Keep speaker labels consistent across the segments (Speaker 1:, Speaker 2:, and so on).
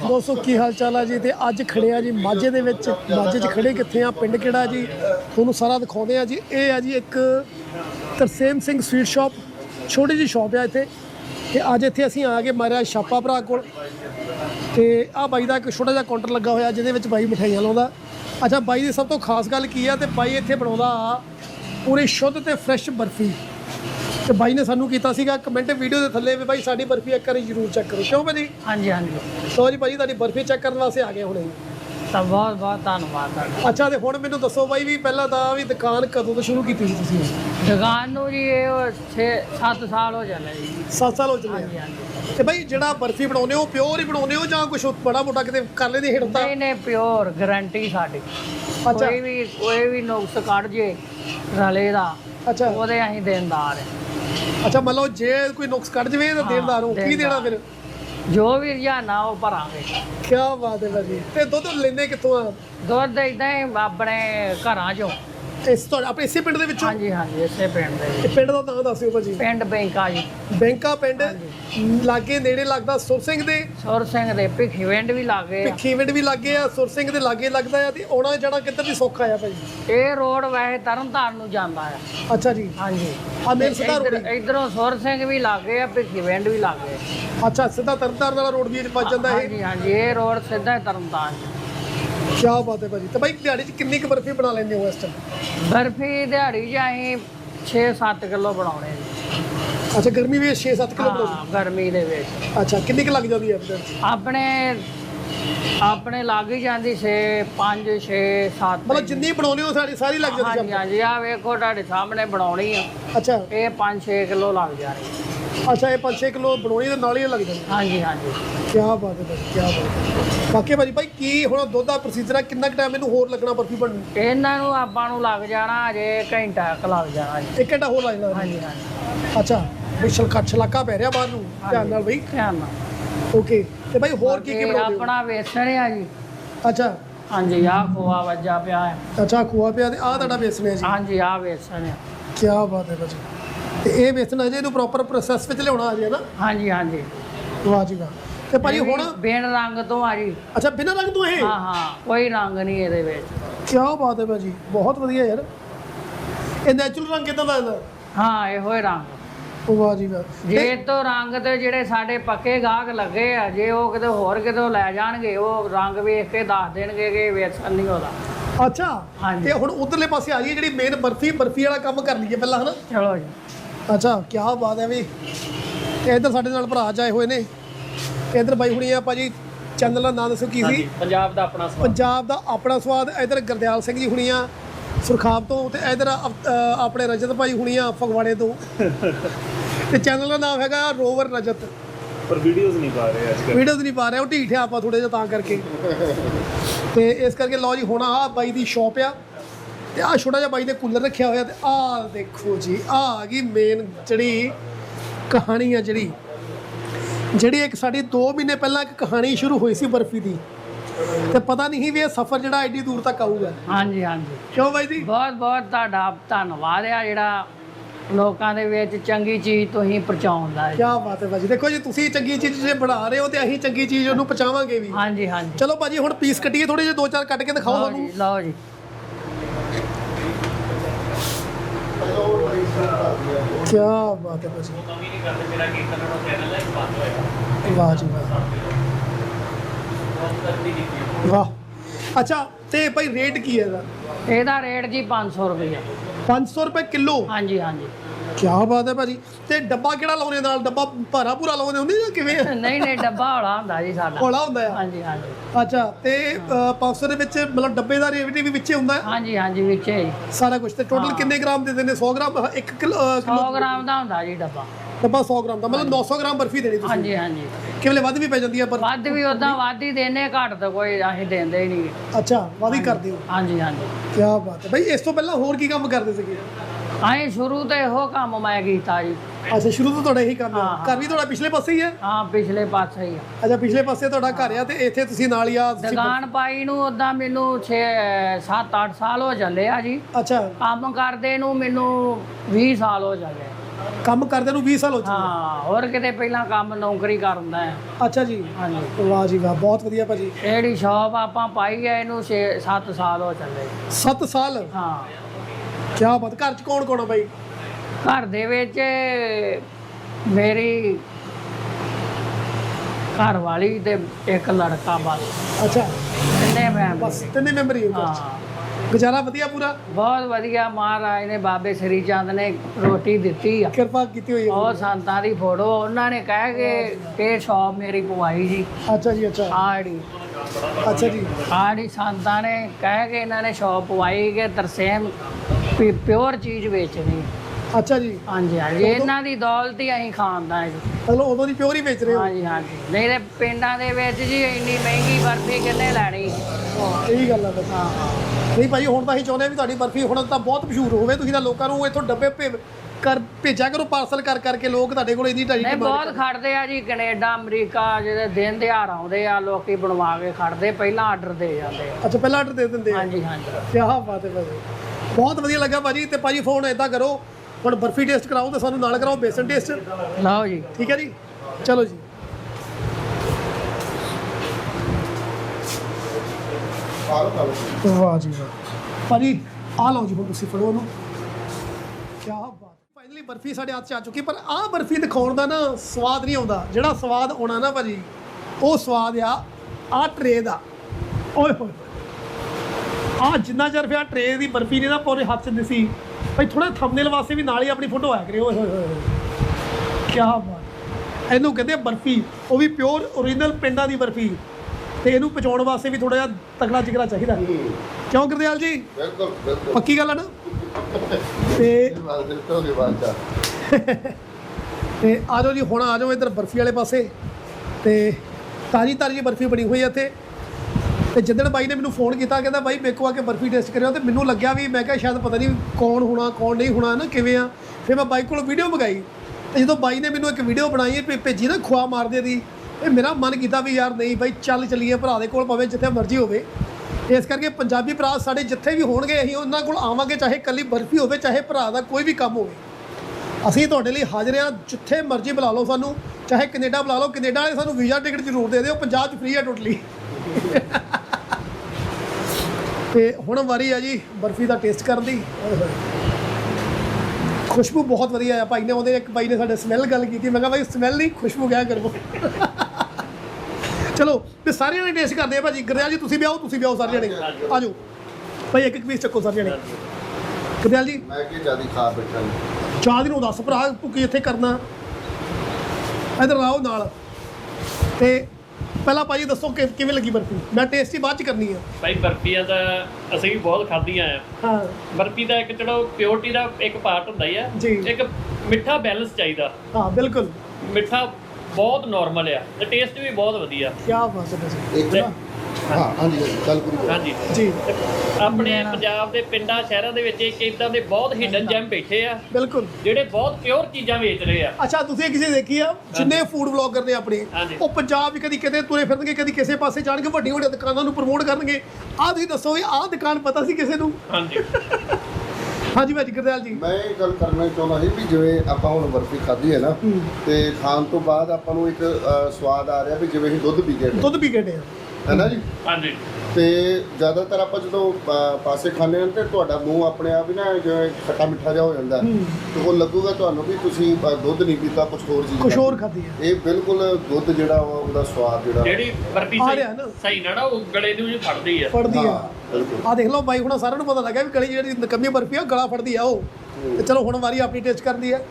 Speaker 1: ਦੋਸਤੋ ਕੀ ਹਾਲ ਚਾਲ ਆ ਜੀ। ਤੇ ਅੱਜ ਖੜੇ ਆ ਜੀ ਮਾਝੇ ਦੇ ਵਿੱਚ। ਮਾਝੇ 'ਚ ਖੜੇ ਕਿੱਥੇ ਆ, ਪਿੰਡ ਕਿਹੜਾ ਜੀ, ਤੁਹਾਨੂੰ ਸਾਰਾ ਦਿਖਾਉਂਦੇ ਆ ਜੀ। ਇਹ ਆ ਜੀ ਇੱਕ ਤਰਸੇਮ ਸਿੰਘ ਸਵੀਟ ਸ਼ਾਪ, ਛੋਟੀ ਜਿਹੀ ਸ਼ਾਪ ਆ ਇੱਥੇ। ਤੇ ਅੱਜ ਇੱਥੇ ਅਸੀਂ ਆ ਕੇ ਮਾਰਿਆ ਛਾਪਾ ਭਰਾ ਕੋਲ। ਤੇ ਆਹ ਬਾਈ ਦਾ ਇੱਕ ਛੋਟਾ ਜਿਹਾ ਕਾਊਂਟਰ ਲੱਗਾ ਹੋਇਆ ਜਿਹਦੇ ਵਿੱਚ ਬਾਈ ਮਠਿਆਈਆਂ ਲਾਉਂਦਾ। ਅੱਛਾ, ਬਾਈ ਦੀ ਸਭ ਤੋਂ ਖਾਸ ਗੱਲ ਕੀ ਆ, ਤੇ ਬਾਈ ਇੱਥੇ ਬਣਾਉਂਦਾ ਪੂਰੀ ਸ਼ੁੱਧ ਤੇ ਫਰੈਸ਼ ਬਰਫੀ। ਤੇ ਬਾਈ ਨੇ ਸਾਨੂੰ ਕੀਤਾ ਸੀਗਾ ਕਮੈਂਟ ਵੀਡੀਓ ਦੇ ਥੱਲੇ ਵੀ ਬਾਈ ਸਾਡੀ ਬਰਫੀ ਇੱਕ ਵਾਰੀ ਜ਼ਰੂਰ ਚੈੱਕ ਕਰੋ। ਕਿਉਂ ਭਾਜੀ?
Speaker 2: ਹਾਂਜੀ ਹਾਂਜੀ।
Speaker 1: ਸੋ ਜੀ ਭਾਜੀ ਤੁਹਾਡੀ ਬਰਫੀ ਚੈੱਕ ਕਰਨ ਵਾਸਤੇ ਆ ਗਏ ਹੁਣੇ।
Speaker 2: ਤਾਂ ਬਹੁਤ ਬਹੁਤ ਧੰਨਵਾਦ ਤੁਹਾਡਾ।
Speaker 1: ਅੱਛਾ, ਤੇ ਹੁਣ ਮੈਨੂੰ ਦੱਸੋ ਬਾਈ ਵੀ ਪਹਿਲਾਂ ਤਾਂ ਵੀ ਦੁਕਾਨ ਕਦੋਂ ਤੋਂ ਸ਼ੁਰੂ ਕੀਤੀ ਸੀ ਤੁਸੀਂ?
Speaker 2: ਦੁਕਾਨ ਨੂੰ ਜੀ ਇਹ 6-7 ਸਾਲ ਹੋ ਜਾਂਦੇ ਜੀ।
Speaker 1: 7 ਸਾਲ ਹੋ ਚੱਲੇ
Speaker 2: ਹਾਂਜੀ
Speaker 1: ਆ।
Speaker 2: ਹਾਂਜੀ।
Speaker 1: ਤੇ ਬਾਈ ਜਿਹੜਾ ਬਰਫੀ ਬਣਾਉਂਦੇ ਹੋ ਪਿਓਰ ਹੀ ਬਣਾਉਂਦੇ ਹੋ ਜਾਂ ਕੁਛ ਬੜਾ ਮੋਟਾ ਕਿਤੇ ਕਰ ਲੈਂਦੇ ਹਿੜਦਾ?
Speaker 2: ਨਹੀਂ ਨਹੀਂ, ਪਿਓਰ ਗਾਰੰਟੀ ਸਾਡੀ।
Speaker 1: ਅੱਛਾ
Speaker 2: ਕੋਈ ਵੀ ਨੁਕਸ ਕੱਢ ਜੇ ਰਲੇ ਦਾ,
Speaker 1: ਅੱਛਾ
Speaker 2: ਉਹਦੇ ਅਸੀਂ ਦੇਣਦਾਰ ਹਾਂ।
Speaker 1: ਅੱਛਾ, ਮੰਨ ਲਓ ਜੇ ਕੋਈ ਨੁਕਸ ਕੱਢ ਜਵੇ ਤਾਂ ਦੇਣਦਾਰ ਹੋ, ਕੀ ਦੇਣਾ ਫਿਰ?
Speaker 2: ਜੋ ਵੀ ਰੁਝਾਨਾ ਉਹ ਭਰਾਂਗੇ।
Speaker 1: ਕੀ ਬਾਤ ਹੈ ਭਾਜੀ। ਤੇ ਦੁੱਧ ਲੈਂਦੇ ਕਿੱਥੋਂ ਆ?
Speaker 2: ਦੁੱਧ ਇਦਾਂ ਹੀ ਆਪਣੇ ਘਰਾਂ ਚੋਂ।
Speaker 1: ਇਸ ਤੁਹਾਡੇ ਆਪਣੇ ਇਸੇ ਪਿੰਡ ਦੇ ਵਿੱਚੋਂ?
Speaker 2: ਹਾਂਜੀ ਹਾਂਜੀ, ਇਸੇ ਪਿੰਡ ਦੇ।
Speaker 1: ਇਹ ਪਿੰਡ ਦਾ ਨਾਂ ਦੱਸਿਓ ਭਾਜੀ।
Speaker 2: ਪਿੰਡ ਬੈਂਕਾ ਜੀ।
Speaker 1: ਬੈਂਕਾ ਪਿੰਡ ਲਾਗੇ ਨੇੜੇ ਲੱਗਦਾ ਸੁਰ ਸਿੰਘ ਦੇ?
Speaker 2: ਸੁਰ ਸਿੰਘ ਦੇ ਭਿੱਖੀਵਿੰਡ ਵੀ ਲਾਗੇ ਆ।
Speaker 1: ਭਿੱਖੀਵਿੰਡ ਵੀ ਲਾਗੇ ਆ, ਸੁਰ ਸਿੰਘ ਦੇ ਲਾਗੇ ਲੱਗਦਾ ਆ। ਤੇ ਆਉਣਾ ਜਾਣਾ ਕਿੱਧਰ ਦੀ ਸੌਖਾ ਆ ਭਾਜੀ?
Speaker 2: ਇਹ ਰੋਡ ਵੈਸੇ ਤਰਨਤਾਰਨ ਨੂੰ ਜਾਂਦਾ ਆ।
Speaker 1: ਅੱਛਾ ਜੀ।
Speaker 2: ਹਾਂਜੀ।
Speaker 1: ਆ ਮੇਨ ਸਿੱਧਾ ਰੋਡ ਹੀ?
Speaker 2: ਇਧਰੋਂ ਸੁਰ ਸਿੰਘ ਵੀ ਲਾਗੇ ਆ, ਭਿੱਖੀਵਿੰਡ ਵੀ ਲਾਗੇ।
Speaker 1: ਅੱਛਾ, ਸਿੱਧਾ ਤਰਨਤਾਰਨ ਵਾਲਾ ਰੋਡ ਵੀ ਵੱਜ ਜਾਂਦਾ ਇਹ?
Speaker 2: ਹਾਂਜੀ ਹਾਂਜੀ, ਇਹ ਰੋਡ ਸਿੱਧਾ ਹੀ ਤਰਨਤਾਰਨ।
Speaker 1: ਕੀ ਬਾਤ ਹੈ ਭਾਜੀ। ਤੇ ਭਾਈ ਦਿਹਾੜੀ 'ਚ ਕਿੰਨੀ ਕੁ ਬਰਫੀ ਬਣਾ ਲੈਂਦੇ ਹੋ ਇਸ ਟਾਈਮ?
Speaker 2: ਬਰਫੀ ਦਿਹਾੜੀ 'ਚ ਅਸੀਂ 6-7 ਕਿਲੋ ਬਣਾਉਣੇ ਜੀ।
Speaker 1: ਅੱਛਾ, ਗਰਮੀ ਵਿੱਚ 6-7 ਕਿਲੋ ਬਣਾਉਂਦੇ?
Speaker 2: ਹਾਂ, ਗਰਮੀ ਦੇ ਵਿੱਚ।
Speaker 1: ਅੱਛਾ, ਕਿੰਨੀ ਕੁ ਲੱਗ ਜਾਂਦੀ ਹੈ ਫਿਰ?
Speaker 2: ਆਪਣੇ ਲੱਗ ਹੀ ਜਾਂਦੀ 5 6 7।
Speaker 1: ਮਤਲਬ ਜਿੰਨੀ ਬਣਾਉਂਦੇ ਹੋ ਸਾਰੀ ਲੱਗ ਜਾਂਦੀ
Speaker 2: ਹਾਂਜੀ ਹਾਂਜੀ, ਆ ਵੇਖੋ ਤੁਹਾਡੇ ਸਾਹਮਣੇ ਬਣਾਉਣੀ ਆ।
Speaker 1: ਅੱਛਾ,
Speaker 2: ਇਹ 5-6 ਕਿਲੋ ਲੱਗ ਜਾਣੀ।
Speaker 1: ਅੱਛਾ, ਇਹ 5-6 ਕਿਲੋ ਬਣਾਉਣੀ ਤੇ ਨਾਲ ਹੀ ਲੱਗ ਜਾਂਦੀ?
Speaker 2: ਹਾਂਜੀ ਹਾਂਜੀ।
Speaker 1: ਕੀ ਬਾਤ ਹੈ ਭਾਜੀ, ਕੀ ਬਾਤ ਹੈ। ਬਾਕੀ ਭਾਜੀ ਭਾਈ ਕੀ ਹੁਣ ਦੁੱਧ ਦਾ ਪ੍ਰੋਸੀਜਰ ਹੈ, ਕਿੰਨਾ ਕੁ ਟਾਈਮ ਇਹਨੂੰ ਹੋਰ ਲੱਗਣਾ ਬਰਫੀ ਬਣਨ ਨੂੰ?
Speaker 2: ਇਹਨਾਂ ਨੂੰ ਆਪਾਂ ਨੂੰ ਲੱਗ ਜਾਣਾ ਅਜੇ ਘੰਟਾ ਕੁ ਲੱਗ ਜਾਣਾ ਜੀ।
Speaker 1: 1 ਘੰਟਾ ਹੋਰ ਲੱਗ ਜਾਣਾ?
Speaker 2: ਹਾਂਜੀ ਹਾਂਜੀ।
Speaker 1: ਅੱਛਾ, ਵੀ ਛਲਾਕਾ ਪੈ ਰਿਹਾ ਬਾਹਰ ਨੂੰ, ਧਿਆਨ ਨਾਲ ਬਈ।
Speaker 2: ਧਿਆਨ ਨਾਲ।
Speaker 1: ਓਕੇ। ਤੇ ਭਾਈ ਹੋਰ ਕੀ ਕੀ
Speaker 2: ਬਾਕੀ
Speaker 1: ਬਣਾਉਂਦੇ ਹੋ?
Speaker 2: ਆਪਣਾ ਵੇਸਣ ਆ ਜੀ।
Speaker 1: ਅੱਛਾ
Speaker 2: ਹਾਂਜੀ, ਆ ਖੋਆ ਵੱਜਾ ਪਿਆ ਹੈ।
Speaker 1: ਅੱਛਾ, ਖੋਆ ਪਿਆ। ਤੇ ਆਹ ਤੁਹਾਡਾ ਵੇਸਣ ਹੈ ਜੀ?
Speaker 2: ਹਾਂਜੀ, ਆ ਵੇਸਣ ਆ।
Speaker 1: ਕੀ ਬਾਤ ਹੈ ਭਾਜੀ। ਤੇ ਇਹ ਵੇਸਣ ਅਜੇ ਇਹਨੂੰ ਪ੍ਰੋਪਰ ਪ੍ਰੋਸੈਸ ਵਿੱਚ ਲਿਆਉਣਾ ਅਜੇ ਨਾ?
Speaker 2: ਹਾਂਜੀ ਹਾਂਜੀ।
Speaker 1: ਵਾਹ ਜੀ ਵਾਹ। ਤੇ ਭਾਜੀ ਹੁਣ
Speaker 2: ਬਿਨ ਰੰਗ ਤੋਂ ਆ ਜੀ।
Speaker 1: ਅੱਛਾ, ਬਿਨਾਂ ਰੰਗ ਤੋਂ ਇਹ?
Speaker 2: ਹਾਂ ਹਾਂ, ਕੋਈ ਰੰਗ ਨਹੀਂ ਇਹਦੇ ਵਿੱਚ।
Speaker 1: ਕੀ ਬਾਤ ਹੈ ਭਾਜੀ, ਬਹੁਤ ਵਧੀਆ ਯਾਰ। ਇਹ ਨੈਚੁਰਲ ਰੰਗ ਕਿੱਦਾਂ ਦਾ ਇਹਦਾ?
Speaker 2: ਹਾਂ, ਇਹੋ ਹੀ ਰੰਗ।
Speaker 1: ਵਾਹ ਜੀ ਵਾਹ।
Speaker 2: ਜੇ ਤੋਂ ਰੰਗ ਤੇ ਜਿਹੜੇ ਸਾਡੇ ਪੱਕੇ ਗਾਹਕ ਲੱਗੇ ਆ, ਜੇ ਉਹ ਕਿਤੇ ਹੋਰ ਕਿਤੇ ਲੈ ਜਾਣਗੇ, ਉਹ ਰੰਗ ਵੇਖ ਕੇ ਦੱਸ ਦੇਣਗੇ ਕਿ ਵੇਸਣ ਨਹੀਂ ਉਹਦਾ।
Speaker 1: ਅੱਛਾ,
Speaker 2: ਹਾਂਜੀ।
Speaker 1: ਤੇ ਹੁਣ ਉਧਰਲੇ ਪਾਸੇ ਆ ਜੀ ਜਿਹੜੀ ਮੇਨ ਬਰਫੀ ਵਾਲਾ ਕੰਮ ਕਰ ਲਈਏ ਪਹਿਲਾਂ, ਹਨਾ?
Speaker 2: ਚਲੋ ਜੀ।
Speaker 1: ਅੱਛਾ, ਕੀ ਬਾਤ ਹੈ ਵੀ। ਤੇ ਇੱਧਰ ਸਾਡੇ ਨਾਲ ਭਰਾ ਜਾਏ ਹੋਏ ਨੇ। ਤੇ ਇੱਧਰ ਬਾਈ ਹੁਣੀ ਆ ਭਾਜੀ, ਚੈਨਲ ਦਾ ਨਾਮ ਦੱਸੋ ਕੀ ਸੀ?
Speaker 2: ਪੰਜਾਬ ਦਾ ਆਪਣਾ ਸਵਾਦ।
Speaker 1: ਪੰਜਾਬ ਦਾ ਆਪਣਾ ਸਵਾਦ। ਇੱਧਰ ਗੁਰਦਿਆਲ ਸਿੰਘ ਜੀ ਹੁਣੀ ਆ ਸੁਰਖਾਬ ਤੋਂ। ਤੇ ਇੱਧਰ ਆਪਣੇ ਰਜਤ ਭਾਈ ਹੁਣੀ ਆ ਫਗਵਾੜੇ ਤੋਂ। ਤੇ ਚੈਨਲ ਦਾ ਨਾਮ ਹੈਗਾ ਰੋਵਰ ਰਜਤ।
Speaker 3: ਪਰ ਵੀਡੀਓਜ਼ ਨਹੀਂ ਪਾ ਰਹੇ ਅੱਜ ਕੱਲ੍ਹ।
Speaker 1: ਵੀਡੀਓਜ਼ ਨਹੀਂ ਪਾ ਰਹੇ, ਉਹ ਢੀਠ ਆ ਆਪਾਂ ਥੋੜੇ ਜਿਹਾ ਤਾਂ ਕਰਕੇ। ਤੇ ਇਸ ਕਰਕੇ ਲਓ ਜੀ, ਹੁਣ ਆਹ ਬਾਈ ਦੀ ਸ਼ੌਪ ਆ। ਤੇ ਆਹ ਛੋਟਾ ਜਿਹਾ ਬਾਈ ਨੇ ਕੂਲਰ ਰੱਖਿਆ ਹੋਇਆ। ਤੇ ਆਹ ਦੇਖੋ ਜੀ, ਆਹ ਆ ਗਈ ਮੇਨ ਜਿਹੜੀ ਕਹਾਣੀ ਆ, ਜਿਹੜੀ ਇੱਕ ਸਾਡੀ 2 ਮਹੀਨੇ ਪਹਿਲਾਂ ਇੱਕ ਕਹਾਣੀ ਸ਼ੁਰੂ ਹੋਈ ਸੀ ਬਰਫੀ ਦੀ। ਤੇ ਪਤਾ ਨਹੀਂ ਵੀ ਇਹ ਸਫ਼ਰ ਜਿਹੜਾ ਐਡੀ ਦੂਰ ਤੱਕ ਆਊਗਾ।
Speaker 2: ਹਾਂਜੀ ਹਾਂਜੀ।
Speaker 1: ਕਿਉਂ ਬਾਈ ਜੀ?
Speaker 2: ਬਹੁਤ ਬਹੁਤ ਤੁਹਾਡਾ ਧੰਨਵਾਦ ਆ, ਜਿਹੜਾ ਲੋਕਾਂ ਦੇ ਵਿੱਚ ਚੰਗੀ ਚੀਜ਼ ਤੁਸੀਂ ਪਹੁੰਚਾਉਂਦਾ ਹੈ।
Speaker 1: ਕੀ ਬਾਤ ਹੈ ਭਾਜੀ। ਦੇਖੋ ਜੀ, ਤੁਸੀਂ ਚੰਗੀ ਚੀਜ਼ ਜੇ ਬਣਾ ਰਹੇ ਹੋ ਤੇ ਅਸੀਂ ਚੰਗੀ ਚੀਜ਼ ਉਹਨੂੰ ਪਹੁੰਚਾਵਾਂਗੇ ਵੀ।
Speaker 2: ਹਾਂਜੀ ਹਾਂਜੀ।
Speaker 1: ਚਲੋ ਭਾਜੀ, ਹੁਣ ਪੀਸ ਕੱਟੀਏ ਥੋੜੇ ਜਿਹੇ, 2-4 ਕੱਟ ਕੇ ਦਿਖਾਓ
Speaker 2: ਲਓ
Speaker 1: ਸਾਨੂੰ।
Speaker 2: ਜੀ ਲਓ ਜੀ।
Speaker 1: ਕੀ ਬਾਤ ਹੈ ਭਾਜੀ। ਵਾਹ ਜੀ ਵਾਹ, ਵਾਹ। ਅੱਛਾ, ਤੇ ਭਾਈ ਰੇਟ ਕੀ ਹੈ ਇਹਦਾ?
Speaker 2: ਇਹਦਾ ਰੇਟ ਜੀ 500 ਰੁਪਇਆ।
Speaker 1: 500 ਰੁਪਏ ਕਿਲੋ?
Speaker 2: ਹਾਂਜੀ ਹਾਂਜੀ।
Speaker 1: ਕੀ ਬਾਤ ਹੈ ਭਾਜੀ। ਤੇ ਡੱਬਾ ਕਿਹੜਾ ਲਾਉਣੇ ਨਾਲ? ਡੱਬਾ ਭਾਰਾ ਪੂਰਾ ਲਾਉਂਦੇ ਹੁੰਦੇ ਜਾਂ ਕਿਵੇਂ?
Speaker 2: ਨਹੀਂ ਨਹੀਂ, ਡੱਬਾ ਹੌਲਾ ਹੁੰਦਾ ਜੀ ਸਾਡਾ।
Speaker 1: ਹੌਲਾ ਹੁੰਦਾ ਆ?
Speaker 2: ਹਾਂਜੀ ਹਾਂਜੀ।
Speaker 1: ਅੱਛਾ, ਤੇ 500 ਦੇ ਵਿੱਚ ਮਤਲਬ ਡੱਬੇ ਦਾ ਰੇਟ ਵੀ ਵਿੱਚੇ ਹੁੰਦਾ ਹੈ?
Speaker 2: ਹਾਂਜੀ ਹਾਂਜੀ, ਵਿੱਚ ਹੈ ਜੀ
Speaker 1: ਸਾਰਾ ਕੁਝ। ਤੇ ਟੋਟਲ ਕਿੰਨੇ ਗ੍ਰਾਮ ਦੇ ਦਿੰਦੇ? 100 ਗ੍ਰਾਮ? 1 ਕਿਲੋ?
Speaker 2: 100 ਗ੍ਰਾਮ ਦਾ ਹੁੰਦਾ ਜੀ ਡੱਬਾ।
Speaker 1: ਡੱਬਾ 100 ਗ੍ਰਾਮ ਦਾ, ਮਤਲਬ 900 ਗ੍ਰਾਮ ਬਰਫੀ ਦੇਣੀ ਤੁਸੀਂ?
Speaker 2: ਹਾਂਜੀ ਹਾਂਜੀ।
Speaker 1: ਕਿਵੇਂ ਵੱਧ ਵੀ ਪੈ ਜਾਂਦੀ ਹੈ ਪਰ?
Speaker 2: ਵੱਧ ਵੀ ਉਦਾਂ ਵੱਧ ਹੀ ਦੇਣੇ, ਘੱਟ ਤਾਂ ਕੋਈ ਅਸੀਂ ਦਿੰਦੇ ਹੀ ਨਹੀਂ।
Speaker 1: ਅੱਛਾ, ਵੱਧ ਹੀ ਕਰਦੇ ਹੋ?
Speaker 2: ਹਾਂਜੀ ਹਾਂਜੀ।
Speaker 1: ਕੀ ਬਾਤ ਹੈ ਭਾਈ। ਇਸ ਤੋਂ ਪਹਿਲਾਂ ਹੋਰ ਕੀ ਕੰਮ ਕਰਦੇ ਸੀਗੇ?
Speaker 2: ਅਸੀਂ ਸ਼ੁਰੂ ਤੋਂ ਇਹੋ ਕੰਮ ਮੈਂ ਕੀਤਾ ਜੀ।
Speaker 1: ਅੱਛਾ, ਸ਼ੁਰੂ ਤੋਂ ਤੁਹਾਡਾ ਇਹੀ ਕੰਮ ਹੈ?
Speaker 2: ਹਾਂ।
Speaker 1: ਘਰ ਵੀ ਤੁਹਾਡਾ ਪਿਛਲੇ ਪਾਸੇ ਹੀ ਹੈ?
Speaker 2: ਹਾਂ, ਪਿਛਲੇ ਪਾਸੇ ਹੀ ਆ।
Speaker 1: ਅੱਛਾ, ਪਿਛਲੇ ਪਾਸੇ ਤੁਹਾਡਾ ਘਰ ਆ। ਤੇ ਇੱਥੇ ਤੁਸੀਂ ਨਾਲ ਹੀ ਆ?
Speaker 2: ਦੁਕਾਨ ਪਾਈ ਨੂੰ ਉਦਾਂ ਮੈਨੂੰ 7-8 ਸਾਲ ਹੋ ਚੱਲੇ ਆ ਜੀ।
Speaker 1: ਅੱਛਾ
Speaker 2: ਕੰਮ ਕਰਦੇ ਨੂੰ ਮੈਨੂੰ 20 ਸਾਲ ਹੋ ਚੱਲੇ।
Speaker 1: ਕੰਮ ਕਰਦੇ ਨੂੰ 20 ਸਾਲ ਹੋ ਚੁੱਕੇ
Speaker 2: ਹਾਂ ਹੋਰ ਕਿਤੇ ਪਹਿਲਾਂ ਕੰਮ ਨੌਕਰੀ ਕਰਦਾ ਹੈ।
Speaker 1: ਅੱਛਾ ਜੀ,
Speaker 2: ਹਾਂਜੀ
Speaker 1: ਵਾਹ ਜੀ ਵਾਹ, ਬਹੁਤ ਵਧੀਆ ਭਾਜੀ।
Speaker 2: ਜਿਹੜੀ ਸ਼ੌਪ ਆਪਾਂ ਪਾਈ ਹੈ ਇਹਨੂੰ 6-7 ਸਾਲ ਹੋ ਚੱਲੇ।
Speaker 1: 7 ਸਾਲ,
Speaker 2: ਹਾਂ
Speaker 1: ਕੀ ਬਾਤ। ਘਰ 'ਚ ਕੌਣ ਕੌਣ ਆ ਬਾਈ?
Speaker 2: ਘਰ ਦੇ ਵਿੱਚ ਮੇਰੀ ਘਰ ਵਾਲੀ ਤੇ ਇੱਕ ਲੜਕਾ ਬਸ,
Speaker 1: ਅੱਛਾ,
Speaker 2: ਤਿੰਨੇ ਮੈਂ
Speaker 1: ਬਸ ਤਿੰਨੇ ਮੈਂਬਰ ਹੀ ਹੋ ਘਰ 'ਚ।
Speaker 2: ਹਾਂ
Speaker 1: ਗੁਜ਼ਾਰਾ ਵਧੀਆ ਪੂਰਾ?
Speaker 2: ਬਹੁਤ ਵਧੀਆ, ਮਹਾਰਾਜ ਨੇ ਬਾਬੇ ਸ੍ਰੀ ਚੰਦ ਨੇ ਰੋਟੀ ਦਿੱਤੀ ਆ।
Speaker 1: ਕਿਰਪਾ ਕੀਤੀ ਹੋਈ ਹੈ।
Speaker 2: ਉਹ ਸੰਤਾਂ ਦੀ ਫੋਟੋ ਉਹਨਾਂ ਨੇ ਕਹਿ ਕੇ ਇਹ ਸ਼ੌਪ ਮੇਰੀ ਪਵਾਈ ਜੀ।
Speaker 1: ਅੱਛਾ ਜੀ, ਅੱਛਾ
Speaker 2: ਆੜੀ
Speaker 1: ਅੱਛਾ ਜੀ,
Speaker 2: ਆੜੀ ਸੰਤਾਂ ਨੇ ਕਹਿ ਕੇ ਇਹਨਾਂ ਨੇ ਸ਼ੌਪ ਪਵਾਈ ਕਿ ਤਰਸੇਮ ਪਿਓਰ ਚੀਜ਼ ਵੇਚਣੀ।
Speaker 1: ਅੱਛਾ ਜੀ,
Speaker 2: ਹਾਂਜੀ ਹਾਂਜੀ, ਇਹਨਾਂ ਦੀ ਦੌਲਤ ਹੀ ਅਸੀਂ ਖਾਂਦਾ ਜੀ।
Speaker 1: ਮਤਲਬ ਉਦੋਂ ਦੀ ਪਿਓਰ ਹੀ ਵੇਚ ਰਹੇ ਹੋ?
Speaker 2: ਹਾਂਜੀ ਹਾਂਜੀ, ਨਹੀਂ ਤੇ ਪਿੰਡਾਂ ਦੇ ਵਿੱਚ ਜੀ ਇੰਨੀ ਮਹਿੰਗੀ ਬਰਫੀ ਕਿੰਨੇ ਲੈਣੀ।
Speaker 1: ਇਹੀ ਗੱਲ ਹੈ ਬਸ।
Speaker 2: ਹਾਂ ਹਾਂ
Speaker 1: ਨਹੀਂ ਭਾਈ, ਹੁਣ ਤਾਂ ਅਸੀਂ ਚਾਹੁੰਦੇ ਹਾਂ ਵੀ ਤੁਹਾਡੀ ਬਰਫੀ ਹੁਣ ਤਾਂ ਬਹੁਤ ਮਸ਼ਹੂਰ ਹੋਵੇ। ਤੁਸੀਂ ਤਾਂ ਲੋਕਾਂ ਨੂੰ ਇੱਥੋਂ ਡੱਬੇ ਭੇਜਿਆ ਕਰੋ, ਪਾਰਸਲ ਕਰ ਕਰਕੇ ਲੋਕ ਤੁਹਾਡੇ ਕੋਲ ਇੰਨੀ ਢਾਈ
Speaker 2: ਨਹੀਂ ਬਹੁਤ ਖੜਦੇ ਆ ਜੀ, ਕੈਨੇਡਾ ਅਮਰੀਕਾ ਜਿਹੜੇ ਦਿਨ ਤਿਉਹਾਰ ਆਉਂਦੇ ਆ ਲੋਕੀ ਬਣਵਾ ਕੇ ਖੜਦੇ, ਪਹਿਲਾਂ ਆਰਡਰ ਦੇ ਜਾਂਦੇ ਆ।
Speaker 1: ਅੱਛਾ, ਪਹਿਲਾਂ ਆਰਡਰ ਦੇ ਦਿੰਦੇ ਆ?
Speaker 2: ਹਾਂਜੀ ਹਾਂਜੀ।
Speaker 1: ਕੀ ਬਾਤ ਹੈ ਭਾਜੀ, ਬਹੁਤ ਵਧੀਆ ਲੱਗਾ ਭਾਜੀ। ਤੇ ਭਾਜੀ ਫੋਨ ਇਦਾਂ ਕਰੋ, ਹੁਣ ਬਰਫੀ ਟੇਸਟ ਕਰਾਓ ਤੇ ਸਾਨੂੰ ਨਾਲ ਕਰਾਓ ਬੇਸਨ ਟੇਸਟ।
Speaker 2: ਲਓ ਜੀ,
Speaker 1: ਠੀਕ ਹੈ ਜੀ, ਚਲੋ ਜੀ। ਵਾਹ ਜੀ ਵਾਹ ਭਾਜੀ, ਆ ਲਓ ਜੀ, ਹੁਣ ਤੁਸੀਂ ਫੜੋ ਉਹਨੂੰ। ਕੀ ਬਾਤ। ਫਾਈਨਲੀ ਬਰਫੀ ਸਾਡੇ ਹੱਥ 'ਚ ਆ ਚੁੱਕੀ, ਪਰ ਆਹ ਬਰਫੀ ਦਿਖਾਉਣ ਦਾ ਨਾ ਸਵਾਦ ਨਹੀਂ ਆਉਂਦਾ। ਜਿਹੜਾ ਸਵਾਦ ਆਉਣਾ ਨਾ ਭਾਜੀ, ਉਹ ਸਵਾਦ ਆ ਟਰੇ ਦਾ। ਓਏ ਹੋਏ, ਆ ਜਿੰਨਾ ਚਿਰ ਫਿਰ ਟਰੇ ਦੀ ਬਰਫੀ ਨੇ ਨਾ ਪੂਰੇ ਹੱਥ 'ਚ ਦਿਸੀ ਭਾਈ, ਥੋੜਾ ਥੰਬਨੇਲ ਵਾਸਤੇ ਵੀ ਨਾਲ ਹੀ ਆਪਣੀ ਫੋਟੋ ਆਇਆ ਕਰੇ। ਓਏ ਹੋਏ ਹੋਏ, ਕੀ ਬਾਤ। ਇਹਨੂੰ ਕਹਿੰਦੇ ਬਰਫੀ, ਉਹ ਵੀ ਪਿਓਰ ਓਰੀਜਨਲ ਪਿੰਡਾਂ ਦੀ ਬਰਫੀ। ਤੇ ਇਹਨੂੰ ਪਹੁੰਚਾਉਣ ਵਾਸਤੇ ਵੀ ਥੋੜਾ ਜਿਹਾ ਤਕੜਾ ਜਿਗਰਾ ਚਾਹੀਦਾ। ਕਿਉਂ ਗੁਰਦਿਆਲ ਜੀ?
Speaker 4: ਬਿਲਕੁਲ ਬਿਲਕੁਲ,
Speaker 1: ਪੱਕੀ ਗੱਲ ਹੈ ਨਾ? ਤੇ ਤੇ ਆ ਜਾਓ ਜੀ, ਹੁਣ ਆ ਜਾਓ ਇੱਧਰ ਬਰਫੀ ਵਾਲੇ ਪਾਸੇ। ਤੇ ਤਾਜ਼ੀ ਤਾਜ਼ੀ ਬਰਫੀ ਬਣੀ ਹੋਈ ਹੈ ਇੱਥੇ। ਤੇ ਜਿੱਦਣ ਬਾਈ ਨੇ ਮੈਨੂੰ ਫੋਨ ਕੀਤਾ, ਕਹਿੰਦਾ ਬਾਈ ਮੇਰੇ ਕੋਲ ਆ ਕੇ ਬਰਫੀ ਟੇਸਟ ਕਰਿਓ, ਤੇ ਮੈਨੂੰ ਲੱਗਿਆ ਵੀ ਮੈਂ ਕਿਹਾ ਸ਼ਾਇਦ ਪਤਾ ਨਹੀਂ ਕੌਣ ਹੋਣਾ ਕੌਣ ਨਹੀਂ ਹੋਣਾ ਨਾ, ਕਿਵੇਂ ਆ। ਫਿਰ ਮੈਂ ਬਾਈ ਕੋਲ ਵੀਡੀਓ ਮੰਗਾਈ, ਤੇ ਜਦੋਂ ਬਾਈ ਨੇ ਮੈਨੂੰ ਇੱਕ ਵੀਡੀਓ ਬਣਾਈ ਭੇਜੀ ਨਾ ਖੁਆ ਮਾਰਦੇ ਦੀ, ਇਹ ਮੇਰਾ ਮਨ ਕੀਤਾ ਵੀ ਯਾਰ ਨਹੀਂ ਬਾਈ, ਚੱਲ ਚੱਲੀਏ ਭਰਾ ਦੇ ਕੋਲ, ਭਾਵੇਂ ਜਿੱਥੇ ਮਰਜ਼ੀ ਹੋਵੇ। ਇਸ ਕਰਕੇ ਪੰਜਾਬੀ ਭਰਾ ਸਾਡੇ ਜਿੱਥੇ ਵੀ ਹੋਣਗੇ, ਅਸੀਂ ਉਹਨਾਂ ਕੋਲ ਆਵਾਂਗੇ, ਚਾਹੇ ਇਕੱਲੀ ਬਰਫੀ ਹੋਵੇ, ਚਾਹੇ ਭਰਾ ਦਾ ਕੋਈ ਵੀ ਕੰਮ ਹੋਵੇ। ਅਸੀਂ ਤੁਹਾਡੇ ਲਈ ਹਾਜ਼ਰ ਹਾਂ, ਜਿੱਥੇ ਮਰਜ਼ੀ ਬੁਲਾ ਲਓ ਸਾਨੂੰ, ਚਾਹੇ ਕੈਨੇਡਾ ਬੁਲਾ ਲਓ। ਕੈਨੇਡਾ ਵਾਲੇ ਸਾਨੂੰ ਵੀਜ਼ਾ ਟਿਕਟ ਜ਼ਰੂਰ ਦੇ ਦਿਓ, ਪੰਜਾਬ 'ਚ ਫ੍ਰੀ ਹੈ ਟੋਟਲੀ। ਤੇ ਹੁਣ ਵਾਰੀ ਆ ਜੀ ਬਰਫੀ ਦਾ ਟੇਸਟ ਕਰਨ ਦੀ। ਖੁਸ਼ਬੂ ਬਹੁਤ ਵਧੀਆ ਆ। ਭਾਈ ਨੇ ਉਹਦੇ ਇੱਕ ਭਾਈ ਨੇ ਸਾਡੇ ਸਮੈਲ ਗੱਲ ਕੀਤੀ, ਮੈਂ ਕਿਹਾ ਭਾਈ ਸਮੈਲ ਨਹੀਂ, ਖੁਸ਼ਬੂ ਕਿਆ ਕਰੋ। ਚਲੋ ਤੇ ਸਾਰਿਆਂ ਨੇ ਟੇਸਟ ਕਰਦੇ ਆ ਭਾਜੀ। ਗੁਰਦਿਆਲ ਜੀ ਤੁਸੀਂ ਵੀ ਆਓ, ਤੁਸੀਂ ਵੀ ਆਓ ਸਾਰੇ ਜਣੇ, ਆ ਜਾਓ ਭਾਈ, ਇੱਕ ਪੀਸ ਚੱਕੋ ਸਾਰੇ ਜਣੇ। ਗੁਰਦਿਆਲ ਜੀ,
Speaker 4: ਮੈਂ ਕੀ ਜਿਆਦਾ ਖਾ ਬੈਠਾ
Speaker 1: ਚਾਹ ਦੀ ਨੂੰ ਦੱਸ ਭਰਾ, ਤੂੰ ਕੀ ਇੱਥੇ ਕਰਨਾ? ਇੱਧਰ ਆਓ ਨਾਲ। ਤੇ ਪਹਿਲਾਂ ਭਾਜੀ ਦੱਸੋ ਕਿ ਕਿਵੇਂ ਲੱਗੀ ਬਰਫੀ? ਮੈਂ ਟੇਸਟ ਹੀ ਬਾਅਦ 'ਚ ਕਰਨੀ ਆ।
Speaker 5: ਭਾਈ ਬਰਫੀਆਂ ਦਾ ਅਸੀਂ ਵੀ ਬਹੁਤ ਖਾਧੀਆਂ ਆ।
Speaker 1: ਹਾਂ
Speaker 5: ਬਰਫੀ ਦਾ ਇੱਕ ਚਲੋ ਪਿਓਰਟੀ ਦਾ ਇੱਕ ਪਾਰਟ ਹੁੰਦਾ ਹੀ ਆ,
Speaker 1: ਜੀ।
Speaker 5: ਇੱਕ ਮਿੱਠਾ ਬੈਲੈਂਸ ਚਾਹੀਦਾ।
Speaker 1: ਹਾਂ ਬਿਲਕੁਲ,
Speaker 5: ਮਿੱਠਾ ਬਹੁਤ ਨਾਰਮਲ ਆ ਤੇ ਟੇਸਟ ਵੀ ਬਹੁਤ ਵਧੀਆ।
Speaker 1: ਕੀ ਬਾਤ ਹੈ ਭਾਜੀ।
Speaker 4: ਇੱਕ ਨਾ, ਹਾਂ ਹਾਂਜੀ ਚੱਲ ਪੂਰੀ
Speaker 5: ਹਾਂਜੀ
Speaker 1: ਜੀ
Speaker 5: ਤੇ ਆਪਣੇ ਪੰਜਾਬ ਦੇ ਪਿੰਡਾਂ ਸ਼ਹਿਰਾਂ ਦੇ ਵਿੱਚ ਇੱਕ ਇੱਦਾਂ ਦੇ ਬਹੁਤ ਹਿਡਨ ਜੈਮ ਬੈਠੇ ਆ
Speaker 1: ਬਿਲਕੁਲ।
Speaker 5: ਜਿਹੜੇ ਬਹੁਤ ਪਿਓਰ ਚੀਜ਼ਾਂ ਵੇਚ ਰਹੇ ਆ।
Speaker 1: ਅੱਛਾ, ਤੁਸੀਂ ਕਿਸੇ ਦੇਖੀ ਆ ਜਿੰਨੇ ਫੂਡ ਵਲੌਗਰ ਨੇ ਆਪਣੇ,
Speaker 5: ਹਾਂਜੀ।
Speaker 1: ਉਹ ਪੰਜਾਬ ਵੀ ਕਦੀ ਕਿਤੇ ਤੁਰੇ ਫਿਰਨਗੇ, ਕਦੀ ਕਿਸੇ ਪਾਸੇ ਜਾਣਗੇ, ਵੱਡੀਆਂ ਵੱਡੀਆਂ ਦੁਕਾਨਾਂ ਨੂੰ ਪ੍ਰਮੋਟ ਕਰਨਗੇ। ਆਹ ਤੁਸੀਂ ਦੱਸੋ ਵੀ ਆਹ ਦੁਕਾਨ ਪਤਾ ਸੀ ਕਿਸੇ ਨੂੰ?
Speaker 5: ਹਾਂਜੀ
Speaker 1: ਹਾਂਜੀ ਭਾਜੀ ਗੁਰਦਿਆਲ ਜੀ।
Speaker 4: ਮੈਂ ਇਹ ਗੱਲ ਕਰਨਾ ਚਾਹੁੰਦਾ ਸੀ ਵੀ ਜਿਵੇਂ ਆਪਾਂ ਹੁਣ ਬਰਫੀ ਖਾਧੀ ਹੈ ਨਾ, ਤੇ ਖਾਣ ਤੋਂ ਬਾਅਦ ਆਪਾਂ ਨੂੰ ਇੱਕ ਸਵਾਦ ਆ ਰਿਹਾ ਵੀ ਜਿਵੇਂ ਅਸੀਂ ਦੁੱਧ ਪੀ ਕੇ ਹਟੇ,
Speaker 1: ਦੁੱਧ ਪੀ ਕੇ ਡੇ
Speaker 4: ਹੈ ਨਾ ਜੀ।
Speaker 5: ਹਾਂਜੀ
Speaker 4: ਤੇ ਜ਼ਿਆਦਾਤਰ ਆਪਾਂ ਜਦੋਂ ਪਾਸੇ ਖਾਂਦੇ ਹਾਂ ਤੇ ਤੁਹਾਡਾ ਮੂੰਹ ਆਪਣੇ ਆਪ ਹੀ ਨਾ ਜਿਵੇਂ ਖੱਟਾ ਮਿੱਠਾ ਜਿਹਾ ਹੋ ਜਾਂਦਾ, ਤੇ ਉਹ ਲੱਗੂਗਾ ਤੁਹਾਨੂੰ ਵੀ ਤੁਸੀਂ ਦੁੱਧ ਨਹੀਂ ਪੀਤਾ, ਕੁਝ ਹੋਰ ਚੀਜ਼
Speaker 1: ਕੁਛ ਹੋਰ
Speaker 4: ਖਾਧੀ।
Speaker 1: ਖਾਧੀ ਹੈ।
Speaker 4: ਇਹ ਬਿਲਕੁਲ ਦੁੱਧ ਜਿਹੜਾ ਉਹਦਾ ਸਵਾਦ ਜਿਹੜਾ
Speaker 5: ਜਿਹੜੀ ਬਰਫੀ
Speaker 1: ਆ ਰਿਹਾ ਨਾ।
Speaker 5: ਸਹੀ ਨਾ ਉਹ ਗਲੇ ਨੂੰ ਹੀ ਫੜਦੀ ਆ।
Speaker 1: ਫੜਦੀ ਆ।
Speaker 4: ਹਾਂ, ਬਿਲਕੁਲ।
Speaker 1: ਆਹ ਦੇਖ ਲਓ ਬਾਈ, ਹੁਣ ਸਾਰਿਆਂ ਨੂੰ ਪਤਾ ਲੱਗਾ ਵੀ ਗਲੀ ਜਿਹੜੀ ਨਕਮੀ ਬਰਫੀ ਆ ਉਹ ਗਲਾ ਫੜਦੀ ਆ ਉਹ। ਤੇ ਚਲੋ ਹੁਣ ਵਾਰੀ ਆਪਣੀ ਟੇਸਟ ਕਰਦੀ ਆ।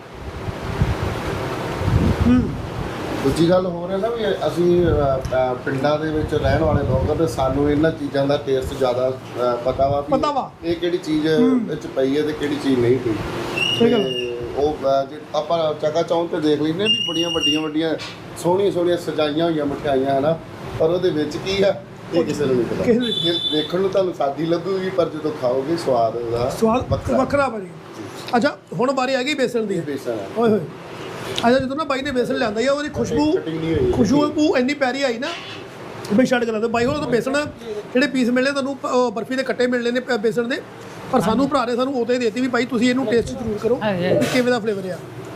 Speaker 4: ਦੂਜੀ ਗੱਲ ਹੋਰ ਹੈ ਨਾ ਵੀ ਅਸੀਂ ਪਿੰਡਾਂ ਦੇ ਵਿੱਚ ਰਹਿਣ ਵਾਲੇ ਲੋਕ ਆ, ਤੇ ਸਾਨੂੰ ਇਹਨਾਂ ਚੀਜ਼ਾਂ ਦਾ ਟੇਸਟ ਜ਼ਿਆਦਾ ਪਤਾ ਵਾ ਵੀ ਇਹ ਕਿਹੜੀ ਚੀਜ਼ ਵਿੱਚ ਪਈ ਹੈ ਤੇ ਕਿਹੜੀ ਚੀਜ਼ ਨਹੀਂ ਪਈ।
Speaker 1: ਸਹੀ ਗੱਲ।
Speaker 4: ਤੇ ਉਹ ਜੇ ਆਪਾਂ ਚੱਕਾ ਚੌਂਕ ਤੇ ਦੇਖ ਲੈਂਦੇ ਵੀ ਬੜੀਆਂ ਵੱਡੀਆਂ ਸੋਹਣੀਆਂ ਸੋਹਣੀਆਂ ਸਜਾਈਆਂ ਹੋਈਆਂ ਮਠਿਆਈਆਂ ਹੈ ਨਾ, ਪਰ ਉਹਦੇ ਵਿੱਚ ਕੀ ਆ ਇਹ ਕਿਸੇ ਨੂੰ ਨਹੀਂ ਪਤਾ। ਇਹ ਦੇਖਣ ਨੂੰ ਤੁਹਾਨੂੰ ਸਾਦੀ ਲੱਗੂਗੀ, ਪਰ ਜਦੋਂ ਖਾਓਗੇ ਸਵਾਦ ਉਹਦਾ
Speaker 1: ਸਵਾਦ ਵੱਖਰਾ ਭਾਜੀ। ਅੱਛਾ, ਹੁਣ ਵਾਰੀ ਆ ਗਈ ਬੇਸਣ ਦੀ।
Speaker 4: ਬੇਸਣ ਹੈ।
Speaker 1: ਓਏ ਹੋਏ, ਅੱਛਾ ਜਦੋਂ ਨਾ ਬਾਈ ਨੇ ਬੇਸਣ ਲਿਆਂਦਾ ਹੀ ਉਹਦੀ ਖੁਸ਼ਬੂ ਇੰਨੀ ਪਿਆਰੀ ਆਈ ਨਾ ਬਈ ਛੱਡ ਕੇ ਲਾਂਦੇ ਬਾਈ। ਹੁਣ ਤਾਂ ਬੇਸਣ ਜਿਹੜੇ ਪੀਸ ਮਿਲਣੇ ਤੁਹਾਨੂੰ ਬਰਫੀ ਦੇ ਕੱਟੇ ਮਿਲਣੇ ਨੇ ਬੇਸਣ ਦੇ, ਪਰ ਸਾਨੂੰ ਭਰਾ ਨੇ ਸਾਨੂੰ ਉਦੋਂ ਹੀ ਦੇਤੀ ਵੀ ਭਾਈ ਤੁਸੀਂ ਇਹਨੂੰ ਟੇਸਟ ਜ਼ਰੂਰ ਕਰੋ ਕਿਵੇਂ ਦਾ ਫਲੇਵਰ ਆ।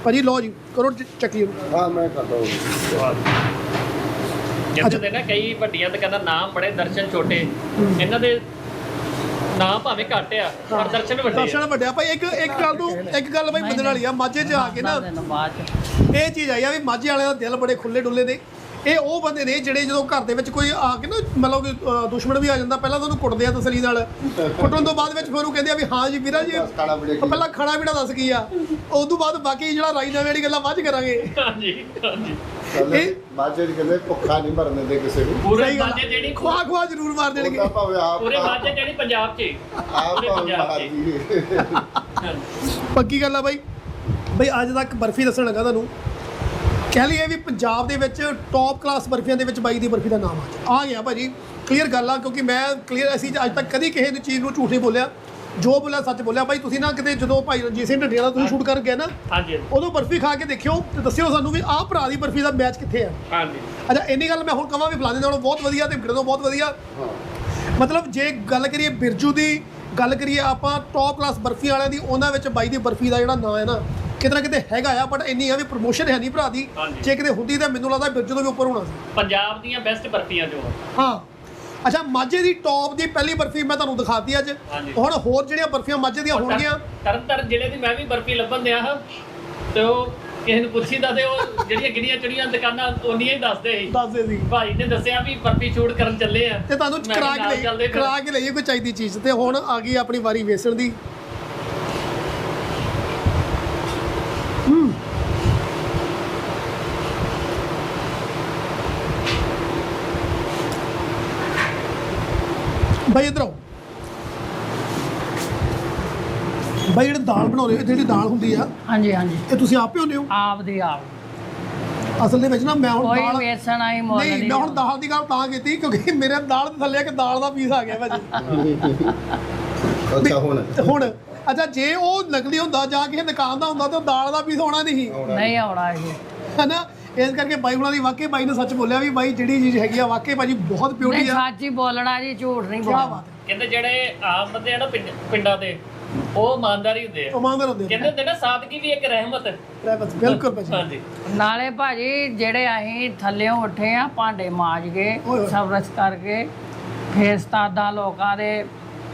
Speaker 1: ਭਾਜੀ ਲਓ ਜੀ ਕਰੋ ਚੱਕੀ ਨੂੰ।
Speaker 4: ਹਾਂ ਮੈਂ ਕਰਦਾ ਹਾਂ।
Speaker 5: ਕਹਿੰਦੇ ਨੇ ਨਾ ਕਈ ਵੱਡੀਆਂ ਦੁਕਾਨਾਂ ਨਾਮ ਬੜੇ ਦਰਸ਼ਨ ਛੋਟੇ, ਇਹਨਾਂ ਦੇ ਨਾਮ ਭਾਵੇਂ ਘੱਟ ਆ ਪਰ ਦਰਸ਼ਨ ਵੱਡੇ ਆ।
Speaker 1: ਦਰਸ਼ਨ ਵੱਡਿਆ ਭਾਈ। ਇੱਕ ਗੱਲ ਭਾਈ ਬੰਦਣ ਵਾਲੀ ਆ, ਮਾਝੇ 'ਚ ਆ ਕੇ ਨਾ
Speaker 2: ਬਾਅਦ ਚ
Speaker 1: ਇਹ ਚੀਜ਼ ਆਈ ਆ ਵੀ ਮਾਝੇ ਵਾਲਿਆਂ ਦਾ ਦਿਲ ਬੜੇ ਖੁੱਲੇ ਡੁੱਲੇ ਨੇ। ਇਹ ਉਹ ਬੰਦੇ ਨੇ ਜਿਹੜੇ ਜਦੋਂ ਘਰ ਦੇ ਵਿੱਚ ਕੋਈ ਆ ਕੇ ਨਾ ਮਤਲਬ ਕਿ ਦੁਸ਼ਮਣ ਵੀ ਆ ਜਾਂਦਾ, ਪਹਿਲਾਂ ਤਾਂ ਉਹਨੂੰ ਕੁੱਟਦੇ ਆ ਤਸਲੀ ਨਾਲ, ਕੁੱਟਣ ਤੋਂ ਬਾਅਦ ਵਿੱਚ ਫਿਰ ਉਹਨੂੰ ਕਹਿੰਦੇ ਆ ਵੀ ਹਾਂ ਜੀ ਵੀਰਾ ਜੀ
Speaker 4: ਖਾਣਾ ਬੜੇ
Speaker 1: ਪਹਿਲਾਂ ਖਾਣਾ ਪੀਣਾ ਦੱਸ ਕੀ ਆ, ਉਸ ਤੋਂ ਬਾਅਦ ਬਾਕੀ ਜਿਹੜਾ ਰਾਈ ਨਵੇਂ ਵਾਲੀ ਗੱਲਾਂ ਬਾਅਦ 'ਚ ਕਰਾਂਗੇ।
Speaker 5: ਹਾਂਜੀ ਹਾਂਜੀ
Speaker 4: ਇਹ ਮਾਝੇ ਦੀ ਕਹਿੰਦੇ ਭੁੱਖਾ ਨਹੀਂ ਮਰਨ ਦਿੰਦੇ ਕਿਸੇ ਨੂੰ।
Speaker 5: ਪੂਰੇ
Speaker 1: ਸਹੀ ਗੱਲ
Speaker 5: ਮਾਝੇ ਜਿਹੜੀ
Speaker 1: ਖਵਾ ਜ਼ਰੂਰ ਮਾਰ ਦੇਣਗੇ।
Speaker 4: ਉਹਦਾ ਭਾਵੇਂ ਆਪ
Speaker 5: ਪੂਰੇ ਮਾਝੇ ਜਿਹੜੀ ਪੰਜਾਬ 'ਚ
Speaker 4: ਆਪ
Speaker 5: ਪੂਰੇ
Speaker 4: ਭਾਵੇਂ
Speaker 5: ਪੰਜਾਬ
Speaker 4: ਮਾਰ
Speaker 5: 'ਚ
Speaker 4: ਦੀਏ।
Speaker 1: ਪੱਕੀ ਗੱਲ ਆ ਬਾਈ। ਬਈ ਅੱਜ ਤੱਕ ਬਰਫੀ ਦੱਸਣ ਲੱਗਾ ਤੁਹਾਨੂੰ, ਕਹਿ ਲਈਏ ਵੀ ਪੰਜਾਬ ਦੇ ਵਿੱਚ ਟੌਪ ਕਲਾਸ ਬਰਫੀਆਂ ਦੇ ਵਿੱਚ ਬਾਈ ਦੀ ਬਰਫੀ ਦਾ ਨਾਮ ਆ ਗਿਆ ਭਾਜੀ। ਕਲੀਅਰ ਗੱਲ ਆ, ਕਿਉਂਕਿ ਮੈਂ ਕਲੀਅਰ ਅਸੀਂ ਅੱਜ ਤੱਕ ਕਦੀ ਕਿਸੇ ਦੀ ਚੀਜ਼ ਨੂੰ ਝੂਠ ਨਹੀਂ ਬੋਲਿਆ, ਜੋ ਬੋਲਿਆ ਸੱਚ ਬੋਲਿਆ। ਬਾਈ ਤੁਸੀਂ ਨਾ ਕਿਤੇ ਜਦੋਂ ਭਾਈ ਰਣਜੀਤ ਸਿੰਘ ਢੱਡੀਆਂ ਦਾ ਤੁਸੀਂ ਸ਼ੂਟ ਕਰ ਗਏ ਨਾ,
Speaker 5: ਹਾਂਜੀ
Speaker 1: ਉਦੋਂ ਬਰਫੀ ਖਾ ਕੇ ਦੇਖਿਓ ਤੇ ਦੱਸਿਓ ਸਾਨੂੰ ਵੀ ਆਹ ਭਰਾ ਦੀ ਬਰਫੀ ਦਾ ਮੈਚ ਕਿੱਥੇ ਆ।
Speaker 5: ਹਾਂਜੀ
Speaker 1: ਅੱਛਾ ਇੰਨੀ ਗੱਲ ਮੈਂ ਹੁਣ ਕਹਾਂ ਵੀ ਫਲਾਣੇ ਨਾਲੋਂ ਬਹੁਤ ਵਧੀਆ ਤੇ ਵਿਗੜੋਂ ਬਹੁਤ ਵਧੀਆ। ਮਤਲਬ ਜੇ ਗੱਲ ਕਰੀਏ ਬਿਰਜੂ ਦੀ, ਗੱਲ ਕਰੀਏ ਆਪਾਂ ਟੌਪ ਕਲਾਸ ਬਰਫੀ ਵਾਲਿਆਂ ਦੀ, ਉਹਨਾਂ ਵਿੱਚ ਬਾਈ ਦੀ ਬਰਫੀ ਦਾ ਜਿਹੜਾ ਨਾਂ ਹੈ ਨਾ ਕਿਤੇ ਨਾ ਕਿਤੇ ਹੈਗਾ ਆ, ਬਟ ਇੰਨੀ ਆ ਵੀ ਪ੍ਰਮੋਸ਼ਨ ਹੈ ਨਹੀਂ ਭਰਾ ਦੀ।
Speaker 5: ਹਾਂਜੀ।
Speaker 1: ਜੇ ਕਿਤੇ ਹੁੰਦੀ ਤਾਂ ਮੈਨੂੰ ਲੱਗਦਾ ਬਿਰਜੂ ਤੋਂ ਵੀ ਉੱਪਰ ਹੋਣਾ ਸੀ।
Speaker 5: ਪੰਜਾਬ ਦੀਆਂ ਬੈਸਟ ਬਰਫੀਆਂ ਜੋ ਆ।
Speaker 1: ਹਾਂ ਅੱਛਾ ਮਾਝੇ ਦੀ ਟੌਪ ਦੀ ਪਹਿਲੀ ਬਰਫੀ ਮੈਂ ਤੁਹਾਨੂੰ ਦਿਖਾਤੀ ਅੱਜ।
Speaker 5: ਹਾਂਜੀ।
Speaker 1: ਹੁਣ ਹੋਰ ਜਿਹੜੀਆਂ ਬਰਫੀਆਂ ਮਾਝੇ ਦੀਆਂ ਹੋਣਗੀਆਂ,
Speaker 5: ਤਰਨਤਾਰਨ ਜ਼ਿਲ੍ਹੇ ਦੀ ਮੈਂ ਵੀ ਬਰਫੀ ਲੱਭਣ ਦਿਆ ਹਾਂ ਤੇ ਉਹ ਕਿਸੇ ਨੂੰ ਪੁੱਛੀਦਾ ਤੇ ਉਹ ਜਿਹੜੀਆਂ ਗਿਣੀਆਂ ਚੜੀਆਂ ਦੁਕਾਨਾਂ ਉਹਨੀਆਂ ਹੀ ਦੱਸਦੇ ਸੀ।
Speaker 1: ਦੱਸਦੇ ਸੀ
Speaker 5: ਭਾਈ ਨੇ ਦੱਸਿਆ ਵੀ ਬਰਫੀ ਸ਼ੂਟ ਕਰਨ ਚੱਲੇ ਆ
Speaker 1: ਤੇ ਤੁਹਾਨੂੰ
Speaker 5: ਮੈਂ ਕਿਹਾ ਨਾਲ ਚੱਲਦੇ ਫਿਰ।
Speaker 1: ਕਰਾ ਕੇ ਲਈਏ ਕੋਈ ਚਾਹੀਦੀ ਚੀਜ਼। ਤੇ ਹੁਣ ਆ ਗਈ ਆਪਣੀ ਵਾਰੀ ਵੇਸਣ ਦੀ। ਬਾਈ ਇੱਧਰ ਆਓ। ਬਾਈ ਜਿਹੜੇ ਦਾਲ ਬਣਾਉਂਦੇ ਹੋ, ਜਿਹੜੀ ਦਾਲ ਹੁੰਦੀ ਆ
Speaker 2: ਹਾਂਜੀ ਹਾਂਜੀ
Speaker 1: ਇਹ ਤੁਸੀਂ ਆਪ ਭਿਉਂਦੇ ਹੋ?
Speaker 2: ਆਪ ਦੀ ਆਪ
Speaker 1: ਅਸਲ ਦੇ ਵਿੱਚ ਨਾ ਮੈਂ ਹੁਣ
Speaker 2: ਕੋਈ
Speaker 1: ਦਾਲ
Speaker 2: ਵੇਸਣ ਆਈ ਮੁੱਲ
Speaker 1: ਨਹੀਂ, ਮੈਂ ਹੁਣ ਦਾਲ ਦੀ ਗੱਲ ਤਾਂ ਕੀਤੀ ਕਿਉਂਕਿ ਮੇਰੇ ਦਾਲ ਦੇ ਥੱਲੇ ਇੱਕ ਦਾਲ ਦਾ ਪੀਸ ਆ ਗਿਆ ਭਾਜੀ।
Speaker 4: ਅੱਛਾ ਹੁਣ
Speaker 1: ਅੱਛਾ ਜੇ ਉਹ ਨਕਲੀ ਹੁੰਦਾ ਜਾਂ ਕਿਸੇ ਦੁਕਾਨ ਦਾ ਹੁੰਦਾ ਤਾਂ ਦਾਲ ਦਾ ਪੀਸ ਹੋਣਾ ਨਹੀਂ
Speaker 2: ਨਹੀਂ ਆਉਣਾ ਇਹ।
Speaker 1: ਹੈਨਾ। ਇਸ ਕਰਕੇ ਬਾਈ ਹੁਣਾਂ ਦੀ ਵਾਕਈ ਬਾਈ ਨੇ ਸੱਚ ਬੋਲਿਆ ਵੀ ਬਾਈ ਜਿਹੜੀ ਚੀਜ਼ ਹੈਗੀ ਆ ਵਾਕਈ ਭਾਜੀ ਬਹੁਤ ਪਿਓਰੀ
Speaker 2: ਨਹੀਂ
Speaker 1: ਆ।
Speaker 2: ਸੱਚ ਹੀ ਬੋਲਣਾ ਜੀ, ਝੂਠ ਨਹੀਂ
Speaker 1: ਕੀ
Speaker 2: ਬੋਲਣਾ।
Speaker 1: ਬਾਤ ਹੈ।
Speaker 5: ਕਹਿੰਦੇ ਜਿਹੜੇ ਆਮ ਬੰਦੇ ਆ ਨਾ ਪਿੰਡਾਂ ਦੇ ਉਹ ਇਮਾਨਦਾਰੀ ਹੁੰਦੇ ਆ।
Speaker 1: ਇਮਾਨਦਾਰ ਹੁੰਦੇ
Speaker 5: ਕਹਿੰਦੇ ਹੁੰਦੇ ਨਾ ਸਾਦਗੀ ਵੀ ਇੱਕ ਰਹਿਮਤ।
Speaker 1: ਬਸ ਬਿਲਕੁਲ ਭਾਜੀ।
Speaker 5: ਹਾਂਜੀ
Speaker 2: ਨਾਲੇ ਭਾਜੀ ਜਿਹੜੇ ਅਸੀਂ ਥੱਲਿਓਂ ਉੱਠੇ ਆ ਭਾਂਡੇ ਮਾਂਜ ਕੇ
Speaker 1: ਓਏ ਹੋਏ।
Speaker 2: ਸਬਰਸ ਕਰਕੇ ਫੇਰ ਉਸਤਾਦਾਂ ਲੋਕਾਂ ਦੇ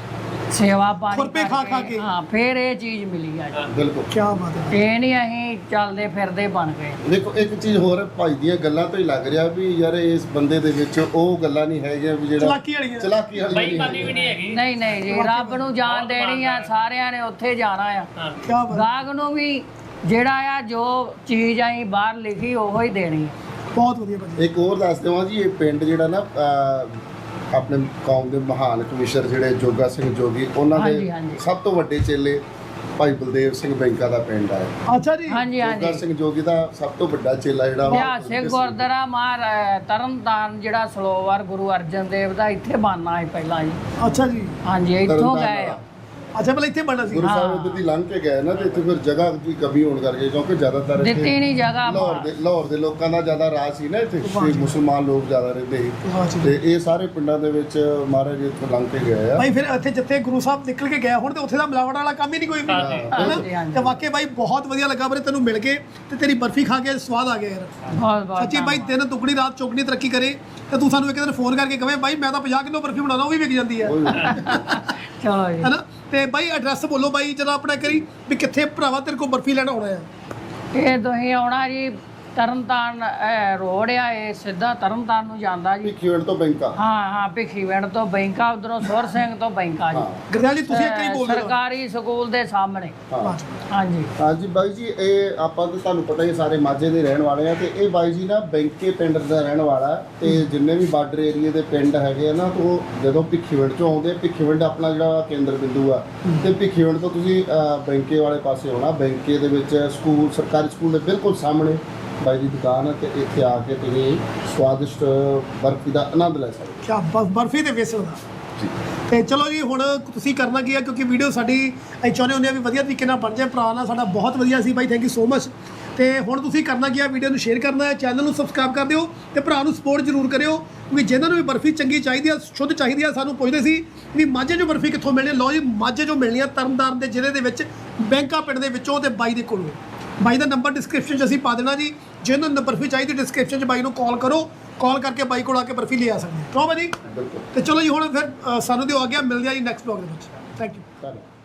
Speaker 2: ਸੇਵਾ ਪਾਣੀ
Speaker 1: ਖੁਰਪੇ ਖਾ ਖਾ
Speaker 2: ਕਰਕੇ,
Speaker 1: ਕੇ।
Speaker 2: ਹਾਂ ਫੇਰ ਇਹ ਚੀਜ਼ ਮਿਲੀ ਆ ਜੀ।
Speaker 4: ਬਿਲਕੁਲ।
Speaker 1: ਕੀ ਬਾਤ ਹੈ।
Speaker 2: ਇਹ ਨਹੀਂ ਅਸੀਂ ਚੱਲਦੇ ਫਿਰਦੇ ਬਣ ਗਏ।
Speaker 4: ਦੇਖੋ ਇੱਕ ਚੀਜ਼ ਹੋਰ ਭਾਈ ਦੀਆਂ ਗੱਲਾਂ ਤੋਂ ਹੀ ਲੱਗ ਰਿਹਾ ਵੀ ਯਾਰ ਇਸ ਬੰਦੇ ਦੇ ਵਿੱਚ ਉਹ ਗੱਲਾਂ ਨਹੀਂ ਹੈਗੀਆਂ ਵੀ ਜਿਹੜਾ
Speaker 1: ਚਲਾਕੀ ਵਾਲੀਆਂ।
Speaker 4: ਚਲਾਕੀ ਵਾਲੀ
Speaker 5: ਬੇਈਮਾਨੀ ਵੀ ਨਹੀਂ ਹੈਗੀ।
Speaker 2: ਨਹੀਂ ਨਹੀਂ ਜੀ, ਰੱਬ ਨੂੰ ਜਾਨ ਦੇਣੀ ਆ, ਸਾਰਿਆਂ ਨੇ ਉੱਥੇ ਜਾਣਾ ਆ।
Speaker 5: ਹਾਂ
Speaker 1: ਕੀ ਬਾਤ ਹੈ।
Speaker 2: ਗਾਹਕ ਨੂੰ ਵੀ ਜਿਹੜਾ ਆ ਜੋ ਚੀਜ਼ ਅਸੀਂ ਬਾਹਰ ਲਿਖੀ ਉਹੋ ਹੀ ਦੇਣੀ ਆ।
Speaker 1: ਬਹੁਤ ਵਧੀਆ ਭਾਜੀ।
Speaker 4: ਇੱਕ ਹੋਰ ਦੱਸ ਦੇਵਾਂ ਜੀ, ਇਹ ਪਿੰਡ ਜਿਹੜਾ ਨਾ ਆਪਣੇ ਕੌਮ ਦੇ ਮਹਾਨ ਕਵੀਸ਼ਰ ਜਿਹੜੇ ਜੋਗਾ ਸਿੰਘ ਜੋਗੀ, ਉਹਨਾਂ
Speaker 2: ਹਾਂਜੀ,
Speaker 4: ਦੇ
Speaker 2: ਹਾਂਜੀ।
Speaker 4: ਸਭ ਤੋਂ ਵੱਡੇ ਚੇਲੇ ਭਾਈ ਬਲਦੇਵ ਸਿੰਘ ਬੈਂਕਾ ਦਾ ਪਿੰਡ ਹੈ।
Speaker 1: ਅੱਛਾ ਜੀ।
Speaker 2: ਹਾਂਜੀ
Speaker 4: ਜੋਗਾ
Speaker 2: ਹਾਂਜੀ
Speaker 4: ਸਿੰਘ ਜੋਗੀ ਦਾ ਸਭ ਤੋਂ ਵੱਡਾ ਚੇਲਾ ਜਿਹੜਾ
Speaker 2: ਇਤਿਹਾਸਿਕ ਗੁਰਦੁਆਰਾ ਤਰਨਤਾਰਨ ਜਿਹੜਾ ਸਲੋਵਰ ਗੁਰੂ ਅਰਜਨ ਦੇਵ ਦਾ ਇੱਥੇ ਬਣਨਾ ਸੀ ਪਹਿਲਾਂ ਜੀ।
Speaker 1: ਅੱਛਾ ਜੀ।
Speaker 2: ਹਾਂਜੀ ਇੱਥੋਂ ਗਏ ਆ।
Speaker 1: ਅੱਛਾ ਪਹਿਲਾਂ ਇੱਥੇ ਬਣਨਾ ਸੀ।
Speaker 4: ਗੁਰੂ ਸਾਹਿਬ ਇੱਧਰ ਦੀ ਲੰਘ ਕੇ ਗਏ ਨਾ ਤੇ ਇੱਥੇ ਫਿਰ ਜਗ੍ਹਾ ਦੀ ਕਮੀ ਹੋਣ ਕਰਕੇ, ਕਿਉਂਕਿ ਜ਼ਿਆਦਾਤਰ
Speaker 2: ਦਿੱਤੀ ਨਹੀਂ ਜਗ੍ਹਾ
Speaker 4: ਲਾਹੌਰ ਦੇ ਲੋਕਾਂ ਦਾ ਜ਼ਿਆਦਾ ਰਾਜ ਸੀ ਨਾ ਇੱਥੇ, ਤੇ ਮੁਸਲਮਾਨ ਲੋਕ ਜ਼ਿਆਦਾ ਰਹਿੰਦੇ
Speaker 1: ਵਾਹ
Speaker 4: ਸੀ,
Speaker 1: ਜੀ।
Speaker 4: ਤੇ ਇਹ ਸਾਰੇ ਪਿੰਡਾਂ ਦੇ ਵਿੱਚ ਮਹਾਰਾਜ ਇੱਥੋਂ ਲੰਘ ਕੇ ਗਏ ਆ।
Speaker 1: ਭਾਈ ਫਿਰ ਇੱਥੇ ਜਿੱਥੇ ਗੁਰੂ ਸਾਹਿਬ ਨਿਕਲ ਕੇ ਗਏ ਹੁਣ ਤੇ ਉੱਥੇ ਦਾ ਮਿਲਾਵਟ ਵਾਲਾ ਕੰਮ ਹੀ ਨਹੀਂ ਕੋਈ ਵੀ।
Speaker 2: ਹਾਂਜੀ, ਹਾਂਜੀ।
Speaker 1: ਤੇ ਵਾਕਈ ਬਾਈ ਬਹੁਤ ਵਧੀਆ ਲੱਗਾ ਵੀਰੇ ਤੈਨੂੰ ਮਿਲ ਕੇ ਤੇ ਤੇਰੀ ਬਰਫੀ ਖਾ ਕੇ ਸਵਾਦ ਆ ਗਿਆ ਯਾਰ।
Speaker 2: ਬਹੁਤ ਬਹੁਤ
Speaker 1: ਸੱਚੀ ਬਾਈ ਦਿਨ ਦੁੱਗਣੀ ਰਾਤ ਚੌਗਣੀ ਤਰੱਕੀ ਕਰੇ ਤੇ ਤੂੰ ਸਾਨੂੰ ਇੱਕ ਦਿਨ ਫੋਨ ਕਰਕੇ ਕਵੇਂ ਬਾਈ ਮੈਂ ਤਾਂ 50 ਕਿਲੋ ਬਰਫੀ ਬਣਾਉਣਾ, ਉਹ ਵੀ ਵਿਕ ਜਾਂਦੀ ਹੈ।
Speaker 2: ਚਲੋ ਜੀ।
Speaker 1: ਹੈਨਾ। ਤੇ ਬਾਈ ਐਡਰੈਸ ਬੋਲੋ ਬਾਈ ਜਰਾ ਆਪਣਾ ਕਰੀ ਵੀ ਕਿੱਥੇ ਭਰਾਵਾ ਤੇਰੇ ਕੋਲ ਬਰਫੀ ਲੈਣ ਆਉਣਾ ਆ।
Speaker 2: ਇਹ ਤੁਸੀਂ ਆਉਣਾ ਜੀ ਤਰਨਤਾਰਨ ਰੋਡ ਆ, ਇਹ ਸਿੱਧਾ ਤਰਨਤਾਰਨ ਨੂੰ ਜਾਂਦਾ ਜੀ।
Speaker 4: ਭਿੱਖੀਵਿੰਡ ਤੋਂ ਬੈਂਕਾ।
Speaker 2: ਹਾਂ ਹਾਂ ਭਿੱਖੀਵਿੰਡ ਤੋਂ ਬੈਂਕਾ, ਉਧਰੋਂ ਸੁਰ ਸਿੰਘ ਤੋਂ ਬੈਂਕਾ ਜੀ।
Speaker 1: ਗੁਰਦਿਆਲ ਜੀ ਤੁਸੀਂ ਇੱਕ ਹੀ ਬੋਲ ਦਿਓ।
Speaker 2: ਸਰਕਾਰੀ ਸਕੂਲ ਦੇ ਸਾਹਮਣੇ।
Speaker 4: ਹਾਂ
Speaker 2: ਹਾਂਜੀ
Speaker 4: ਹਾਂਜੀ ਬਾਈ ਜੀ, ਇਹ ਆਪਾਂ ਤਾਂ ਤੁਹਾਨੂੰ ਪਤਾ ਹੀ ਸਾਰੇ ਮਾਝੇ ਦੇ ਰਹਿਣ ਵਾਲੇ ਆ, ਤੇ ਇਹ ਬਾਈ ਜੀ ਨਾ ਬੈਂਕੇ ਪਿੰਡ ਦਾ ਰਹਿਣ ਵਾਲਾ, ਤੇ ਜਿੰਨੇ ਵੀ ਬਾਰਡਰ ਏਰੀਆ ਦੇ ਪਿੰਡ ਹੈਗੇ ਆ ਨਾ, ਉਹ ਜਦੋਂ ਭਿੱਖੀਵਿੰਡ ਤੋਂ ਆਉਂਦੇ, ਭਿੱਖੀਵਿੰਡ ਆਪਣਾ ਜਿਹੜਾ ਕੇਂਦਰ ਬਿੰਦੂ ਆ, ਤੇ ਭਿੱਖੀਵਿੰਡ ਤੋਂ ਤੁਸੀਂ ਬੈਂਕੇ ਵਾਲੇ ਪਾਸੇ ਆਉਣਾ। ਬੈਂਕੇ ਦੇ ਵਿੱਚ ਸਕੂਲ, ਸਰਕਾਰੀ ਸਕੂਲ ਦੇ ਬਿਲਕੁਲ ਸਾਹਮਣੇ ਬਾਈ ਦੀ ਦੁਕਾਨ ਹੈ, ਤੇ ਇੱਥੇ ਆ ਕੇ ਤੁਸੀਂ ਸਵਾਦਿਸ਼ਟ ਬਰਫੀ ਦਾ ਆਨੰਦ ਲੈ ਸਕਦੇ
Speaker 1: ਕਿਆ ਬਰਫੀ ਤੇ ਵੇਸਣ ਦਾ।
Speaker 4: ਜੀ।
Speaker 1: ਤੇ ਚਲੋ ਜੀ ਹੁਣ ਤੁਸੀਂ ਕਰਨਾ ਕੀ ਆ, ਕਿਉਂਕਿ ਵੀਡੀਓ ਸਾਡੀ ਅਸੀਂ ਚਾਹੁੰਦੇ ਹੁੰਦੇ ਆ ਵੀ ਵਧੀਆ ਤਰੀਕੇ ਨਾਲ ਬਣ ਜਾਏ। ਭਰਾ ਨਾਲ ਸਾਡਾ ਬਹੁਤ ਵਧੀਆ ਸੀ ਬਾਈ, ਥੈਂਕ ਯੂ ਸੋ ਮਚ। ਤੇ ਹੁਣ ਤੁਸੀਂ ਕਰਨਾ ਕੀ ਆ, ਵੀਡੀਓ ਨੂੰ ਸ਼ੇਅਰ ਕਰਨਾ ਹੈ, ਚੈਨਲ ਨੂੰ ਸਬਸਕ੍ਰਾਈਬ ਕਰ ਦਿਓ ਤੇ ਭਰਾ ਨੂੰ ਸਪੋਰਟ ਜ਼ਰੂਰ ਕਰਿਓ, ਕਿਉਂਕਿ ਜਿਹਨਾਂ ਨੂੰ ਵੀ ਬਰਫੀ ਚੰਗੀ ਚਾਹੀਦੀ ਆ, ਸ਼ੁੱਧ ਚਾਹੀਦੀ ਆ, ਸਾਨੂੰ ਪੁੱਛਦੇ ਸੀ ਵੀ ਮਾਝੇ 'ਚੋਂ ਬਰਫੀ ਕਿੱਥੋਂ ਮਿਲਣੀ। ਲਓ ਜੀ ਮਾਝੇ 'ਚੋਂ ਮਿਲਣੀ ਆ ਤਰਨਤਾਰਨ ਦੇ ਜ਼ਿਲ੍ਹੇ ਦੇ ਵਿੱਚ ਬੈਂਕਾ ਪਿੰਡ ਦੇ ਵਿੱਚੋਂ ਤੇ ਬਾਈ ਦੇ ਕੋਲੋਂ। ਬਾਈ ਦਾ ਨੰਬਰ ਡਿਸਕ੍ਰਿਪਸ਼ਨ 'ਚ ਅਸੀਂ ਪਾ ਦੇਣਾ ਜੀ। ਜਿਹਨੂੰ ਬਰਫੀ ਚਾਹੀਦੀ ਡਿਸਕ੍ਰਿਪਸ਼ਨ 'ਚ ਬਾਈ ਨੂੰ ਕਾਲ ਕਰੋ, ਕਾਲ ਕਰਕੇ ਬਾਈ ਕੋਲ ਆ ਕੇ ਬਰਫੀ ਲੈ ਆ ਸਕਦੇ ਹੋ। ਕਿਉਂ ਭਾਜੀ?
Speaker 4: ਬਿਲਕੁਲ।
Speaker 1: ਤੇ ਚਲੋ ਜੀ ਹੁਣ ਫਿਰ ਸਾਨੂੰ ਦਿਓ ਆ ਗਿਆ, ਮਿਲਦੇ ਆ ਜੀ ਨੈਕਸਟ ਬਲੌਗ ਦੇ ਵਿੱਚ। Thank you.
Speaker 4: ਧੰਨਵਾਦ।